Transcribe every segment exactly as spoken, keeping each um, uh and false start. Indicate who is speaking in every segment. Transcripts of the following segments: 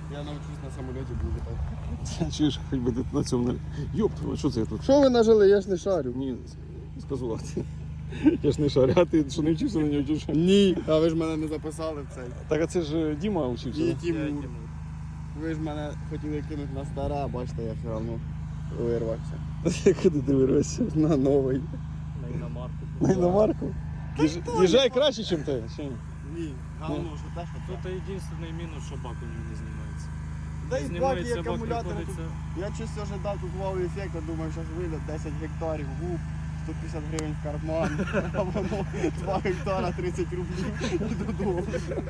Speaker 1: Я навчусь на самоліті буду літати.
Speaker 2: Чуєш, хоч би ти на цьому не... Йоп, твою, що це я тут?
Speaker 1: Що ви нажили? Я ж не шарю.
Speaker 2: Ні, сказувати. Я ж не шарю, а ти що не вчився на нього вчився?
Speaker 1: Ні. А ви ж мене не записали в цей.
Speaker 2: Так, а це ж Діма вчився.
Speaker 1: Ні,
Speaker 2: да?
Speaker 1: Тимур. Ви ж мене хотіли кинути на старе, а бачите, я все одно вирвався.
Speaker 2: Куди ти вирвався?
Speaker 1: На новий.
Speaker 3: На іномарку.
Speaker 2: На іномарку? Їж- Їжджай краще, ніж ти, чи ні?
Speaker 1: Ні, говно, що те, що
Speaker 3: Тут
Speaker 1: це.
Speaker 3: єдиний мінус, що бак у нього не знімається.
Speaker 1: Та й баки,
Speaker 3: Знімається
Speaker 1: і
Speaker 3: бак,
Speaker 1: акумулятори тут.
Speaker 3: приходиться.
Speaker 1: Я чисто ожидав тут вау ефект, думаю, що вийде десять гектарів губ, сто п'ятдесят гривень в карман, а воно два гектара тридцять рублів і додому.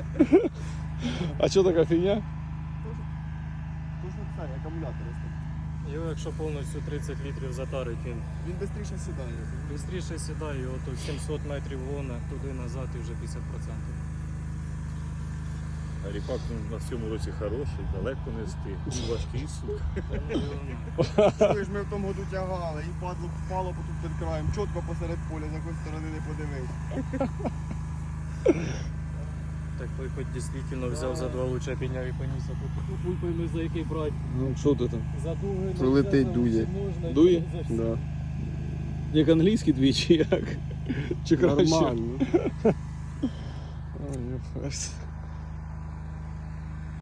Speaker 3: А що така фігня?
Speaker 1: Тож це, акумулятори.
Speaker 3: Його якщо повністю тридцять літрів затарить, він
Speaker 1: Він швидше сідає.
Speaker 3: швидше сідає, його тут сімсот метрів гона, туди-назад і вже п'ятдесят відсотків.
Speaker 4: А ріпак ну, на всьому році хороший, далеко не встиг. Він важкий, сука.
Speaker 1: Чуєш, ми в тому году тягали, і падло впало тут під краєм, чітко посеред поля, з якої сторони не подивись.
Speaker 3: Так той хоч дійсно взяв за два луча, підняв і поніс, а тут хуй пойми за який брати.
Speaker 2: Ну, що ти там?
Speaker 3: За дуги,
Speaker 1: Прилетить, дує.
Speaker 2: Дує?
Speaker 1: Да.
Speaker 2: Як англійський двічі, як? Чи краще?
Speaker 1: Нормально.
Speaker 2: Ой, я перс.